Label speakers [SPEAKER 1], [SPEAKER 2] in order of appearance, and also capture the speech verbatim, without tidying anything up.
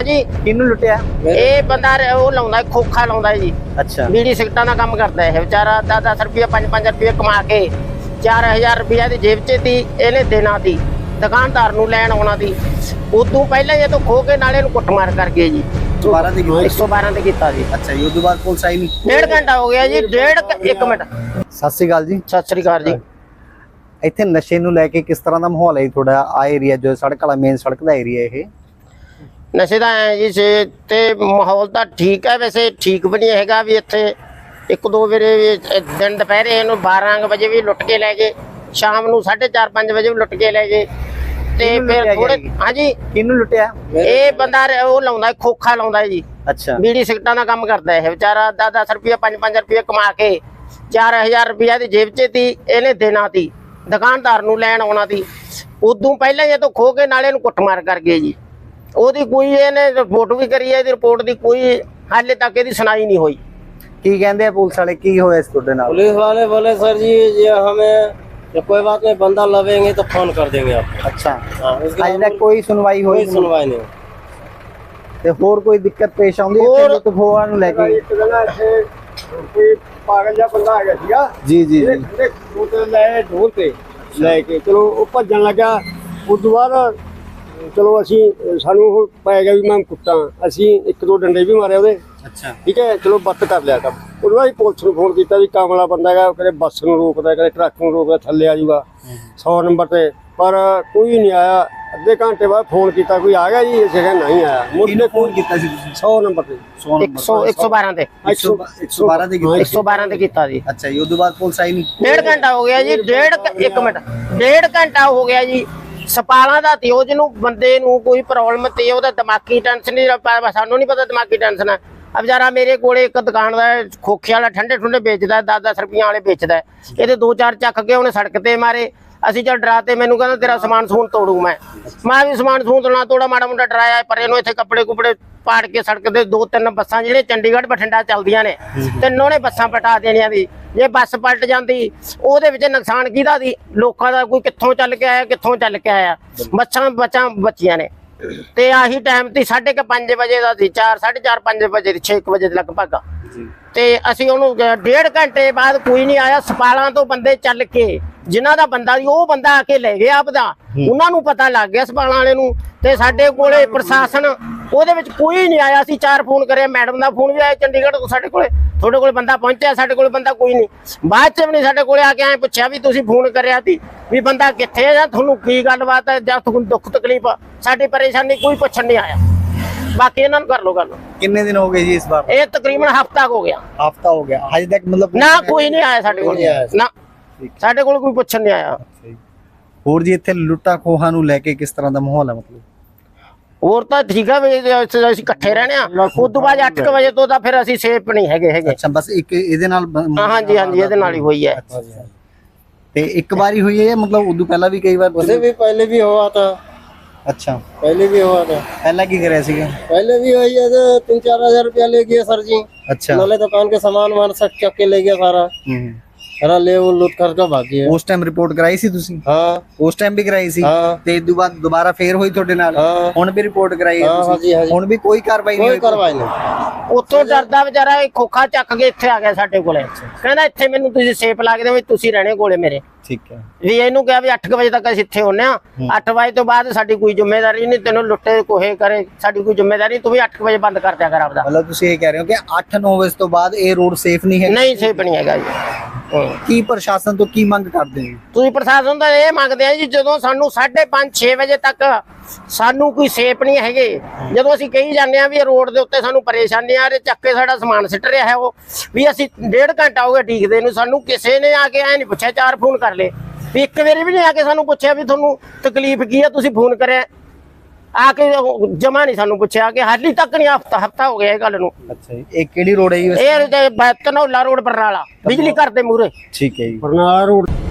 [SPEAKER 1] जी
[SPEAKER 2] किन्नू लुटिया?
[SPEAKER 1] ये बंदा वो लाउंदा खोखा लाउंदा जी।
[SPEAKER 2] अच्छा
[SPEAKER 1] बीड़ी सिगरटां दा काम करदा है बेचारा। दस दस रुपया पांच पांच रुपया कमा के चार हजार रुपया दी जेब च थी इहने देना थी दुकानदार नूं लैण आउणा थी। उदों पहले ये तो खो के नाले नूं कुੱਟਮਾਰ कर गए जी।
[SPEAKER 2] दोबारा दी
[SPEAKER 1] एक सौ बारह ते कीता जी।
[SPEAKER 2] अच्छा ये उदों बाद पुलिस आई नहीं?
[SPEAKER 1] डेढ़ घंटा हो गया जी। डेढ़ एक मिनट।
[SPEAKER 2] सत श्री अकाल जी।
[SPEAKER 1] सत श्री अकाल जी।
[SPEAKER 2] ਇੱਥੇ ਨਸ਼ੇ ਨੂੰ ਲੈ ਕੇ ਕਿਸ ਤਰ੍ਹਾਂ ਦਾ ਮਾਹੌਲ ਹੈ ਤੁਹਾਡਾ ਆ ਏਰੀਆ ਜੋ ਸੜਕ ਵਾਲਾ ਮੇਨ ਸੜਕ ਦਾ ਏਰੀਆ ਇਹ?
[SPEAKER 1] ਨਸ਼ੇ ਦਾ ਹੈ ਜੀ ਸੇ ਤੇ ਮਾਹੌਲ ਤਾਂ ਠੀਕ ਹੈ ਵੈਸੇ ਠੀਕ ਵੀ ਨਹੀਂ ਹੈਗਾ ਵੀ ਇੱਥੇ ਇੱਕ ਦੋ ਵੇਰੇ ਦਿਨ ਦੁਪਹਿਰੇ ਇਹਨੂੰ ਬਾਰਾਂ ਵਜੇ ਵੀ ਲੁੱਟ ਕੇ ਲੈ ਗਏ ਸ਼ਾਮ ਨੂੰ ਸਾਢੇ ਚਾਰ ਪੰਜ ਵਜੇ ਵੀ ਲੁੱਟ ਕੇ ਲੈ ਗਏ ਤੇ ਫਿਰ ਥੋੜੇ ਹਾਂਜੀ
[SPEAKER 2] ਕਿਹਨੂੰ ਲੁੱਟਿਆ?
[SPEAKER 1] ਇਹ ਬੰਦਾ ਉਹ ਲਾਉਂਦਾ ਖੋਖਾ ਲਾਉਂਦਾ ਜੀ।
[SPEAKER 2] ਅੱਛਾ
[SPEAKER 1] ਬੀੜੀ ਸਿਗਰਟਾਂ ਦਾ ਕੰਮ ਕਰਦਾ ਇਹ ਵਿਚਾਰਾ। ਦਸ ਦਸ ਰੁਪਇਆ ਪੰਜ ਪੰਜ ਰੁਪਇਆ ਕਮਾ ਕੇ ਚਾਰ ਹਜ਼ਾਰ ਰੁਪਇਆ ਦੀ ਜੇਬ 'ਚ ਸੀ ਇਹਨੇ ਦੇਣਾ ਸੀ ਦੁਕਾਨਦਾਰ ਨੂੰ ਲੈਣ ਆਉਣਾ ਸੀ। ਉਦੋਂ ਪਹਿਲਾਂ ਇਹ ਤੋਂ ਖੋ ਕੇ ਨਾਲੇ ਇਹਨੂੰ ਕੁੱਟਮਾਰ ਕਰ ਗਏ ਜੀ। ਉਹਦੀ ਕੋਈ ਇਹਨੇ ਰਿਪੋਰਟ ਵੀ ਕਰੀ ਹੈ। ਇਹਦੀ ਰਿਪੋਰਟ ਦੀ ਕੋਈ ਹਾਲੇ ਤੱਕ ਇਹਦੀ ਸੁਣਾਈ ਨਹੀਂ ਹੋਈ।
[SPEAKER 2] ਕੀ ਕਹਿੰਦੇ ਆ ਪੁਲਿਸ ਵਾਲੇ ਕੀ ਹੋਇਆ ਇਸ ਤੁਹਾਡੇ ਨਾਲ?
[SPEAKER 3] पुलिस वाले बोले सर जी ये हमें तो कोई बात नहीं बंदा लवेंगे तो फोन कर देंगे आपको।
[SPEAKER 2] ਅੱਛਾ
[SPEAKER 3] हाँ, इसके
[SPEAKER 2] ਅਜੇ
[SPEAKER 3] बाद
[SPEAKER 2] ਤੱਕ ਕੋਈ ਸੁਣਵਾਈ ਹੋਈ
[SPEAKER 3] कोई सुनवाई नहीं।
[SPEAKER 2] ਤੇ ਹੋਰ ਕੋਈ ਦਿੱਕਤ ਪੇਸ਼ ਆਉਂਦੀ ਹੈ
[SPEAKER 1] ਹੋਰ-
[SPEAKER 2] ਲੁੱਟ ਖੋਹਾਂ ਨੂੰ ਲੈ ਕੇ?
[SPEAKER 4] ਕੋਈ ਪਾਗਲ ਜਿਹਾ ਬੰਦਾ ਹੈਗਾ ਸੀਗਾ
[SPEAKER 2] ਜੀ ਜੀ ਜੀ
[SPEAKER 4] ਉਹਦੇ ਲੈ ਢੋਲ ਤੇ ਲੈ ਕੇ ਚਲੋ ਉਹ ਭੱਜਣ ਲੱਗਾ। ਉਸ ਤੋਂ ਬਾਅਦ ਚਲੋ ਅਸੀਂ ਸਾਨੂੰ ਉਹ ਪੈ ਗਿਆ ਵੀ ਮੈਂ ਕੁੱਟਾਂ। ਅਸੀਂ ਇੱਕ ਦੋ ਡੰਡੇ ਵੀ ਮਾਰੇ ਉਹਦੇ।
[SPEAKER 2] ਅੱਛਾ
[SPEAKER 4] ਠੀਕ ਹੈ ਚਲੋ ਬੱਤ ਕਰ ਲਿਆ ਕੰਮ। ਉਹਦੇ ਬਾਅਦ ਪੁਲਿਸ ਨੂੰ ਫੋਨ ਕੀਤਾ ਵੀ ਕਾਮਲਾ ਬੰਦਾ ਹੈਗਾ ਕਦੇ ਬੱਸ ਨੂੰ ਰੋਕਦਾ ਕਦੇ ਟਰੱਕ ਨੂੰ ਰੋਕਦਾ ਥੱਲੇ ਆ ਜਾਊਗਾ ਸੌ ਨੰਬਰ ਤੇ ਪਰ ਕੋਈ ਨਹੀਂ ਆਇਆ। ਅੱਧੇ ਘੰਟੇ ਬਾਅਦ ਫੋਨ ਕੀਤਾ ਕੋਈ ਆ ਗਿਆ ਜੀ ਅਸੀਂ ਕਹਿੰਦੇ ਨਹੀਂ ਆਇਆ।
[SPEAKER 2] ਕਿਹਨੇ ਫੋਨ ਕੀਤਾ ਸੀ ਤੁਸੀਂ?
[SPEAKER 4] ਸੌ ਨੰਬਰ ਤੇ
[SPEAKER 1] ਇੱਕ ਸੌ ਇੱਕ ਸੌ ਬਾਰਾਂ ਤੇ
[SPEAKER 2] ਇੱਕ ਸੌ ਬਾਰਾਂ ਦੇ ਕੀਤਾ?
[SPEAKER 1] ਇੱਕ ਸੌ ਬਾਰਾਂ ਤੇ ਕੀਤਾ ਜੀ।
[SPEAKER 2] ਅੱਛਾ ਜੀ ਉਦੋਂ ਬਾਅਦ ਪੁਲਿਸ ਆਈ ਨਹੀਂ?
[SPEAKER 1] ਡੇਢ ਘੰਟਾ ਹੋ ਗਿਆ ਜੀ। ਡੇਢ ਘ- ਇੱਕ ਮਿੰਟ ਡੇਢ ਘੰਟਾ ਹੋ ਗਿਆ ਜੀ। ਸਪਾਲਾਂ ਦਾ ਤੇ ਉਹ ਜਿਹਨੂੰ ਬੰਦੇ ਨੂੰ ਕੋਈ ਪ੍ਰੋਬਲਮ ਤੇ ਉਹਦਾ ਦਿਮਾਗੀ ਟੈਨਸ਼ਨ ਨਹੀਂ ਸਾਨੂੰ ਨਹੀਂ ਪਤਾ ਦਿਮਾਗੀ ਟੈਨਸ਼ਨ ਹੈ। ਆ ਵਿਚਾਰਾ ਮੇਰੇ ਕੋਲੇ ਇੱਕ ਦੁਕਾਨ ਦਾ ਖੋਖੇ ਵਾਲਾ ਠੰਡੇ ਠੁੰਡੇ ਵੇਚਦਾ ਦਸ ਦਸ ਰੁਪਈਆਂ ਵਾਲੇ ਵੇਚਦਾ। ਇਹਦੇ ਦੋ ਚਾਰ ਚੱਕ ਕੇ ਉਹਨੇ ਸੜਕ ਤੇ ਮਾਰੇ। ਅਸੀਂ ਚੱਲ ਡਰਾ ਤੇ ਮੈਨੂੰ ਕਹਿੰਦਾ ਤੇਰਾ ਸਮਾਨ ਸਮੂਨ ਤੋੜੂ ਮੈਂ ਮੈਂ ਵੀ ਸਮਾਨ ਸਮੂਨ ਤੋੜਨਾ ਤੋੜਾ ਮਾੜਾ ਮੁੰਡਾ ਡਰਾਇਆ ਪਰ ਇਹਨੂੰ ਇੱਥੇ ਕੱਪੜੇ ਕੁਪੜੇ ਪਾੜ ਕੇ ਸੜਕ ਤੇ ਦੋ ਤਿੰਨ ਬੱਸਾਂ ਜਿਹੜੇ ਚੰਡੀਗੜ੍ਹ ਬਠਿੰਡਾ ਚੱਲਦੀਆਂ ਨੇ ਤਿੰਨੋਂ ਨੇ ਬੱਸਾਂ ਪਟਾ ਦੇਣੀਆਂ ਦੀ। ਜੇ ਬੱਸ ਪਲਟ ਜਾਂਦੀ ਉਹਦੇ ਵਿੱਚ ਨੁਕਸਾਨ ਕਿਹਦਾ ਸੀ? ਲੋਕਾਂ ਦਾ। ਕੋਈ ਕਿੱਥੋਂ ਚੱਲ ਕੇ ਆਇਆ ਕਿੱਥੋਂ ਚੱਲ ਕੇ ਆਇਆ। ਬੱਸਾਂ ਬੱਚਾਂ ਬੱਚੀਆਂ ਨੇ ਤੇ ਆਹੀ ਟਾਈਮ ਤੇ ਸਾਢੇ ਕੁ ਪੰਜ ਵਜੇ ਦਾ ਸੀ। ਚਾਰ ਸਾਢੇ ਚਾਰ ਪੰਜ ਵਜੇ ਦੀ ਛੇ ਕੁ ਵਜੇ ਦੇ ਲਗਭਗ ਤੇ ਅਸੀਂ ਉਹਨੂੰ ਡੇਢ ਘੰਟੇ ਬਾਅਦ ਕੋਈ ਨਹੀਂ ਆਇਆ। ਸਪਾਲਾਂ ਤੋਂ ਬੰਦੇ ਚੱਲ ਕੇ ਜਿਨ੍ਹਾਂ ਦਾ ਬੰਦਾ ਸੀ ਉਹ ਬੰਦਾ ਆ ਕੇ ਲੈ ਗਿਆ ਆਪਦਾ। ਉਹਨਾਂ ਨੂੰ ਪਤਾ ਲੱਗ ਗਿਆ ਸਪਾਲਾਂ ਵਾਲੇ ਨੂੰ ਤੇ ਸਾਡੇ ਕੋਲੇ ਪ੍ਰਸ਼ਾਸਨ ਉਹਦੇ ਵਿੱਚ ਕੋਈ ਨਹੀਂ ਆਇਆ। ਅਸੀਂ ਚਾਰ ਫੋਨ ਕਰਿਆ ਮੈਡਮ ਦਾ ਫੋਨ ਵੀ ਆਇਆ ਚੰਡੀਗੜ੍ਹ ਤੋਂ ਸਾਡੇ ਕੋਲੇ ਤੁਹਾਡੇ ਕੋਲੇ ਬੰਦਾ ਪਹੁੰਚਿਆ ਸਾਡੇ ਕੋਲੇ ਬੰਦਾ ਕੋਈ ਨਹੀਂ। ਬਾਅਦ ਚ ਵੀ ਨਹੀਂ ਸਾਡੇ ਕੋਲੇ ਆ ਕੇ ਐਂ ਪੁੱਛਿਆ ਵੀ ਤੁਸੀਂ ਫੋਨ ਕਰਿਆ ਸੀ ਵੀ ਬੰਦਾ ਕਿੱਥੇ ਹੈ ਜਾਂ ਤੁਹਾਨੂੰ ਕੀ ਗੱਲਬਾਤ ਹੈ ਜਾਂ ਤੁਹਾਨੂੰ ਦੁੱਖ ਤਕਲੀਫ ਸਾਡੀ ਪਰੇਸ਼ਾਨੀ ਕੋਈ ਪੁੱਛਣ ਨਹੀਂ ਆਇਆ। ਬਾਕੀ ਇਹਨਾਂ ਨੂੰ ਕਰ ਲੋ ਗੱਲ।
[SPEAKER 2] ਕਿੰਨੇ ਦਿਨ ਹੋ ਗਏ ਜੀ ਇਸ ਵਾਰ?
[SPEAKER 1] ਇਹ ਤਕਰੀਬਨ ਹਫ਼ਤਾ ਹੋ ਗਿਆ।
[SPEAKER 2] ਹਫਤਾ ਹੋ ਗਿਆ ਹਜੇ ਤੱਕ ਮਤਲਬ
[SPEAKER 1] ਨਾ ਕੋਈ ਨਹੀਂ ਆਇਆ ਸਾਡੇ ਕੋਲ ਨਾ ਸਾਡੇ ਕੋਲ ਕੋਈ ਪੁੱਛਣ ਨਹੀਂ ਆਇਆ।
[SPEAKER 2] ਹੋਰ ਜੀ ਇੱਥੇ ਲੁੱਟਾ ਖੋਹਾਂ ਨੂੰ ਲੈ ਕੇ ਕਿਸ ਤਰ੍ਹਾਂ ਦਾ ਮਾਹੌਲ ਹੈ? ਮਤਲਬ
[SPEAKER 1] ਹੋਰ ਤਾਂ ਠੀਕ ਆ ਵੀ ਅਸੀਂ ਇਕੱਠੇ ਰਹਿਣੇ ਆ। ਉਸ ਤੋਂ ਬਾਅਦ ਅੱਠ ਵਜੇ ਤੋਂ ਤਾਂ ਫਿਰ ਅਸੀਂ ਸੇਫ ਨਹੀਂ ਹੈਗੇ ਹੈਗੇ।
[SPEAKER 2] ਅੱਛਾ ਬਸ ਇੱਕ ਇਹਦੇ ਨਾਲ ਬ-
[SPEAKER 1] ਹਾਂਜੀ ਹਾਂਜੀ ਇਹਦੇ ਨਾਲ ਹੀ ਹੋਈ ਹੈ।
[SPEAKER 2] ਤੇ ਇੱਕ ਵਾਰੀ ਹੋਈ ਹੈ ਮਤਲਬ ਉਦੋਂ ਪਹਿਲਾਂ ਵੀ ਕਈ ਵਾਰ?
[SPEAKER 3] उसे भी पहले भी हुआ था।
[SPEAKER 2] ਅੱਛਾ
[SPEAKER 3] पहले भी हुआ था।
[SPEAKER 2] ਪਹਿਲਾਂ ਕੀ ਕਰਿਆ ਸੀਗਾ?
[SPEAKER 3] पहले भी वही है तीन चार हजार रुपया ले गया सर जी।
[SPEAKER 2] ਅੱਛਾ
[SPEAKER 3] नाले दुकान के सामान वामान सब चक के ले गया सारा
[SPEAKER 2] ਹੂੰ
[SPEAKER 3] सारा ले वो लूट कर के भाग गया।
[SPEAKER 2] ਉਸ ਟਾਈਮ ਰਿਪੋਰਟ ਕਰਾਈ ਸੀ ਤੁਸੀਂ?
[SPEAKER 3] हाँ
[SPEAKER 2] ਉਸ ਟਾਈਮ ਵੀ ਕਰਾਈ ਸੀ
[SPEAKER 3] ਹਾਂ।
[SPEAKER 2] ਤੇ ਇਸ ਤੋਂ ਬਾਅਦ ਦੁਬਾਰਾ ਫੇਰ ਹੋਈ ਤੁਹਾਡੇ ਨਾਲ?
[SPEAKER 3] ਹਾਂ।
[SPEAKER 2] ਹੁਣ ਵੀ ਰਿਪੋਰਟ ਕਰਾਈ ਹੈ
[SPEAKER 3] ਹਾਂ,
[SPEAKER 2] ਤੁਸੀਂ?
[SPEAKER 3] ਹਾਂਜੀ, ਹਾਂਜੀ।
[SPEAKER 2] ਹੁਣ ਵੀ ਕੋਈ ਕਾਰਵਾਈ ਨਹੀਂ
[SPEAKER 3] कोई
[SPEAKER 2] ਹੋਈ?
[SPEAKER 3] कार्रवाई नहीं।
[SPEAKER 1] ਉੱਥੋਂ ਡਰਦਾ ਵਿਚਾਰਾ ਇਹ ਖੋਖਾ ਚੱਕ ਕੇ ਇੱਥੇ ਆ ਗਿਆ ਸਾਡੇ ਕੋਲੇ। ਕਹਿੰਦਾ ਇੱਥੇ ਮੈਨੂੰ ਤੁਸੀਂ ਸੇਫ ਲੱਗਦੇ ਹੋ ਤੁਸੀਂ ਰਹਿਣੇ ਕੋਲੇ ਮੇਰੇ।
[SPEAKER 2] ਠੀਕ ਹੈ
[SPEAKER 1] ਵੀ ਇਹਨੂੰ ਕਿਹਾ ਵੀ ਅੱਠ ਵਜੇ ਤੱਕ ਅਸੀਂ ਇੱਥੇ ਹੁੰਨੇ ਆ। ਅੱਠ ਵਜੇ ਤੋਂ ਬਾਅਦ ਸਾਡੀ ਕੋਈ ਜ਼ਿੰਮੇਵਾਰੀ ਨਹੀਂ। ਤੈਨੂੰ ਲੁੱਟੇ ਕੋਹੇ ਕਰੇ ਸਾਡੀ ਕੋਈ ਜ਼ਿੰਮੇਵਾਰੀ ਨਹੀਂ। ਤੂੰ ਵੀ ਅੱਠ ਵਜੇ ਬੰਦ ਕਰ ਦਿਆ ਕਰ ਆਪਦਾ।
[SPEAKER 2] ਮਤਲਬ ਤੁਸੀਂ ਇਹ ਕਹਿ ਰਹੇ ਹੋ ਕਿ ਅੱਠ ਨੌ ਵਜੇ ਤੋਂ ਬਾਅਦ ਇਹ ਰੋਡ ਸੇਫ ਨਹੀਂ ਹੈ?
[SPEAKER 1] ਨਹੀਂ ਸੇਫ ਨਹੀਂ ਹੈਗਾ ਜੀ। ਹਾਂ।
[SPEAKER 2] ਕੀ ਪ੍ਰਸ਼ਾਸਨ ਤੋਂ ਕੀ ਮੰਗ ਕਰਦੇ ਹੋ?
[SPEAKER 1] ਤੁਸੀਂ ਪ੍ਰਸ਼ਾਸਨ ਤੋਂ ਇਹ ਮੰਗਦੇ ਆ ਜੀ ਜਦੋਂ ਸਾਨੂੰ ਸਾਢੇ ਪੰਜ ਛੇ ਵਜੇ ਤੱਕ ਸਾਨੂੰ ਕੋਈ ਸੇਫ ਨਹੀਂ ਹੈਗੇ। ਜਦੋਂ ਅਸੀਂ ਕਹੀ ਜਾਂਦੇ ਆ ਵੀ ਇਹ ਰੋਡ ਦੇ ਉੱਤੇ ਸਾਨੂੰ ਪਰੇਸ਼ਾਨੀ ਆ ਰਹੀ ਚੱਕ ਕੇ ਸਾਡਾ ਸਮਾਨ ਸਿੱਟ ਰਿਹਾ ਹੈ ਉਹ ਵੀ ਅਸੀਂ ਡੇਢ ਘੰਟਾ ਹੋ ਗਿਆ ਡੀਕਦੇ ਨੂੰ। ਸਾਨੂੰ ਕਿਸੇ ਨੇ ਆ ਕੇ ਐ ਨਹੀਂ ਪੁੱਛਿਆ। ਚਾਰ ਫੋਨ ਕਰ ਲਏ ਵੀ ਇੱਕ ਵਾਰੀ ਵੀ ਨਹੀਂ ਆ ਕੇ ਸਾਨੂੰ ਪੁੱਛਿਆ ਵੀ ਤੁਹਾਨੂੰ ਤਕਲੀਫ ਕੀ ਆ ਤੁਸੀਂ ਫੋਨ ਕਰਿਆ ਆ ਕੇ ਜਮਾ ਨਹੀਂ ਸਾਨੂੰ ਪੁੱਛਿਆ ਕਿ ਹਾਲੀ ਤੱਕ ਨਹੀਂ। ਹਫਤਾ ਹਫਤਾ ਹੋ ਗਿਆ ਇਹ ਗੱਲ ਨੂੰ।
[SPEAKER 2] ਅੱਛਾ ਜੀ ਇਹ ਕਿਹੜੀ ਰੋਡ ਹੈ ਜੀ?
[SPEAKER 1] ਇਹ ਧਨੌਲਾ ਰੋਡ ਬਰਨਾਲਾ ਬਿਜਲੀ ਘਰ ਦੇ ਮੂਹਰੇ।
[SPEAKER 2] ਠੀਕ ਹੈ ਜੀ।
[SPEAKER 4] ਬਰਨਾਲਾ ਰੋਡ